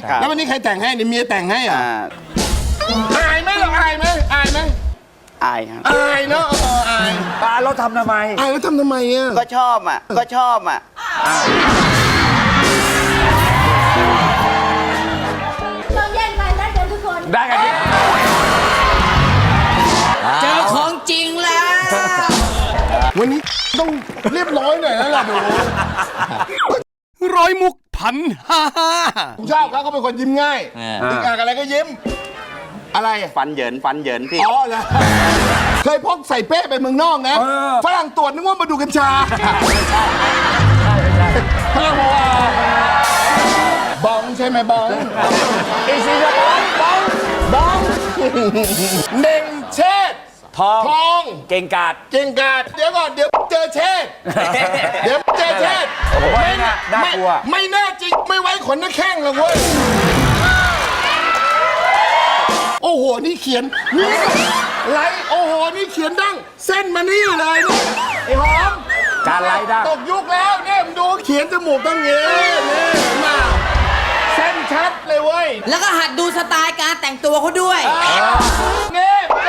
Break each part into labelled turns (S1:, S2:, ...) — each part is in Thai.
S1: แล้ววันนี้ใครแต่งให้เนี่ยเมียแต่งให้อ่ะอายไหมเราอายไหมอายไหม
S2: อายครับ
S1: อายเนาะอาย
S3: เราทำทำไม
S1: อายแล้วทำทำไมอ่ะ
S2: ก็ชอบอ่ะ
S4: ต้องแย่งกันได้กันทุกคน
S3: ได้กันดิ
S5: เจอของจริงแล้ว
S1: วันนี้ต้องเรียบร้อยหน่อยแล้วล่ะหนู
S6: ร้อยมุกพันฮ่าฮ่า
S1: ผมชอบเขาเป็นคนยิ้มง่ายติดอ่างอะไรก็ยิ้มอะไร
S2: ฟันเหยินพี่
S1: อ๋อเหรอเคยพกใส่เป้ไปเมืองนอกนะฝรั่งตรวจนึกว่ามาดูกัญชาฝรั่งบอกว่าบองใช่ไหมบองอีซีจะบองเน่งเชษทอง
S3: เก่งกาจ
S1: เก่งกาจเดี๋ยวก่อนเดี๋ยวเจอเชษเดี๋ยวเจอเชษ
S3: ไม่น่ากลัว
S1: ไม่แน่จริงไม่ไว้ขนนักแข้งหรอกเว้ยโอ้โหนี่เขียนนี่ไรโอ้โหนี่เขียนดั้งเส้นมานี่เลยนี่ไอ้หอม
S3: การไล่ดั้ง
S1: ตกยุคแล้วเนี่ยมึงดูเขียนจมูกตั้งเงี้ยนี่มาเส้นชัดเลยเว้ย
S5: แล้วก็หัดดูสไตล์การแต่งตัวเขาด้วย
S1: นี่ดู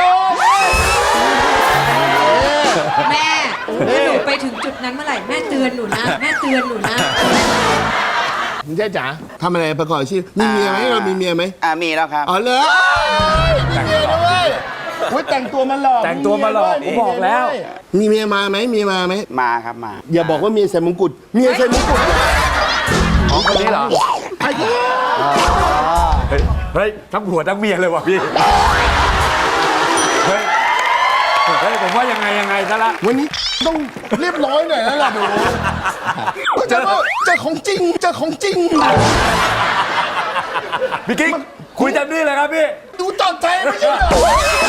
S4: แม่ถ้าหนูไปถึงจุดนั้นเมื่อไหร่แม่เตือนหนูนะแม่เตือนหนูนะ
S1: มึงเจ๊จ๋าทำอะไรประกอบอาชีพมีเมียไหมเรามีเมียไหม
S2: มีแล้วครับ
S1: อ๋อเหรอมีเมียด้วยอุ้ยแต่งตัวมาหลอก
S3: แต่งตัวมาหลอกผมบอกแล้ว
S1: มีเมียมาไหมมีมาไหม
S2: มาครับมา
S1: อย่าบอกว่าเมียใส่มงกุฎเมียใส่มงกุฎ
S3: ของคนนี้เหรอ
S1: ไอ้เหี้ย
S3: เฮ้ยทั้งผัวทั้งเมียเลยว่ะพี่เฮ้ยผมว่ายังไงซะละ
S1: วันนี้ต้องเรียบร้อยหน่อยแล้วล่ะหนูเจอของจริงเจอของจริง
S3: พี่กิ๊กคุยเต็มที่เลยครับพี่
S1: ดูจอดใจไม่ใช่เหรอ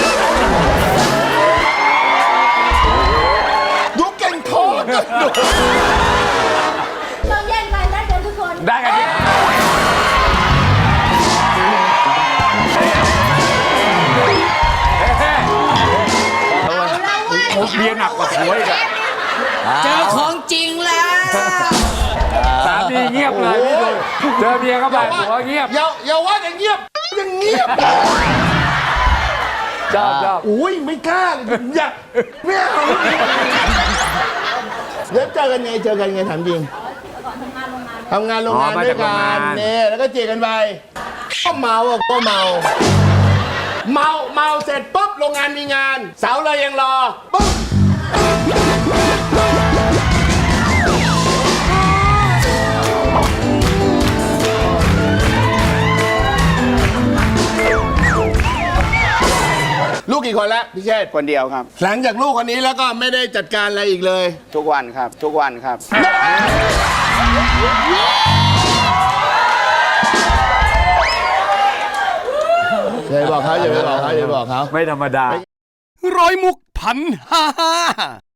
S1: ดูเก่งโคตร
S4: ต้องแย่งกันได้กันทุกคน
S3: ได้กันดิผมเมียหนักกว่าผัวอีกอะ
S5: เจอของจริงแล้ว
S3: สามีเงียบเลยพี่ดูเจอเมียเข้าไปผัวเงียบ
S1: อย่าว่าอย่างเงียบยังเงียบ
S3: ชอบ
S1: อุ้ยไม่กล้าเลยอยากไม่เอาเดี๋ยวเจอกันไงถามจริงทำงานโรงงานด้วยกันเนี่ยแล้วก็จีบกันไปก็เมาเสร็จปุ๊บโรงงานมีงานเสาร์เลยยังรอปุ๊บลูกกี่คนแล้วพี่เชษฐ์
S2: คนเดียวครับ
S1: หลังจากลูกคนนี้แล้วก็ไม่ได้จัดการอะไรอีกเลย
S2: ทุกวันครับ
S1: อย่าไปบอกเขา
S3: ไม่ธรรมดา
S6: ร้อยมุกพันฮ่าฮ่า